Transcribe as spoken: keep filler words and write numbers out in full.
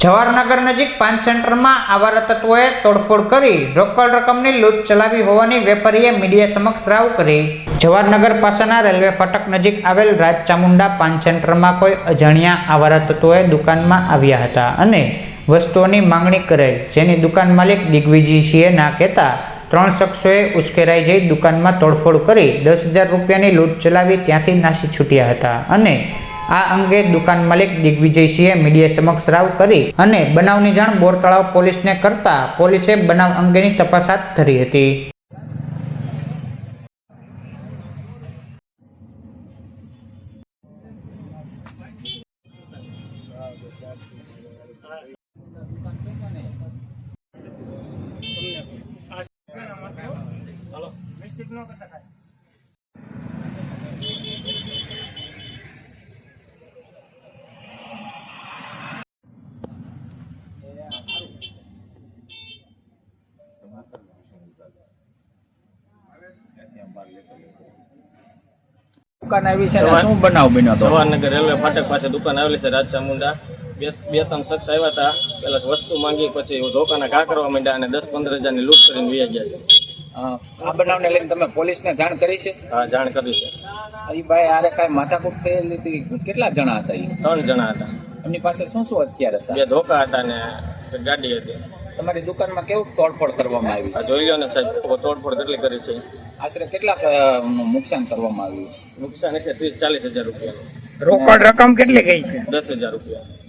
જવાહરનગર નજીક પાન સેન્ટરમાં આવારા તત્વોએ તોડફોડ કરી રોકડ રકમની લૂંટ ચલાવી હોવાની વેપારીએ મીડિયા સમક્ષ રાવ કરી। જવાહરનગર પાસેના રેલવે ફાટક નજીક આવેલ રાજચામુંડા પાન સેન્ટરમાં કોઈ અજાણ્યા આવારા તત્વોએ દુકાનમાં આવ્યા હતા અને વસ્તુઓની માંગણી કરેલ, જેની દુકાન માલિક દિગ્વિજયસિંહે ના કહેતા ત્રણ શખ્સોએ ઉશ્કેરાઈ જઈ દુકાનમાં તોડફોડ કરી દસ હજાર રૂપિયાની લૂંટ ચલાવી ત્યાંથી નાસી છૂટ્યા હતા અને આ અંગે દુકાન માલિક દિગ્વિજયસિંહે મીડિયા સમક્ષ રાવ કરી અને બનાવની જાણ બોરતળાવ પોલીસને કરતા પોલીસે બનાવ અંગેની તપાસ હાથ ધરી હતી। દુકાન આવી છે ને શું બનાવ બન્યો હતો? જવાહરનગર રેલવે ફાટક પાસે દુકાન આવેલી છે રાજચામુંડા। બે બે ત્રણ શખ્સ આવ્યા હતા, પેલા વસ્તુ માંગી, પછી ધોકાના ઘા કરવા માંડ્યા અને દસ પંદર હજાર ની લૂંટ કરીને વહી ગયા છે। આ બનાવને લઈને તમે પોલીસને જાણ કરી છે? હા, જાણ કરી છે। એ ભાઈ આરે કઈ માથાકૂટ થયેલી હતી? કેટલા જણા હતા? એ ત્રણ જણા હતા। એમની પાસે શું શું હથિયાર હતા? બે ધોકા હતા ને ગાડી હતી। તમારી દુકાનમાં કેવું તોડફોડ કરવામાં આવી છે? જોઈ લો ને સાહેબ, તોડફોડ કેટલી કરી છે। આશરે કેટલાક નુકસાન કરવામાં આવ્યું છે? નુકસાન છે ત્રીસ ચાલીસ હજાર રૂપિયા। રોકડ રકમ કેટલી ગઈ છે? દસ હજાર રૂપિયા।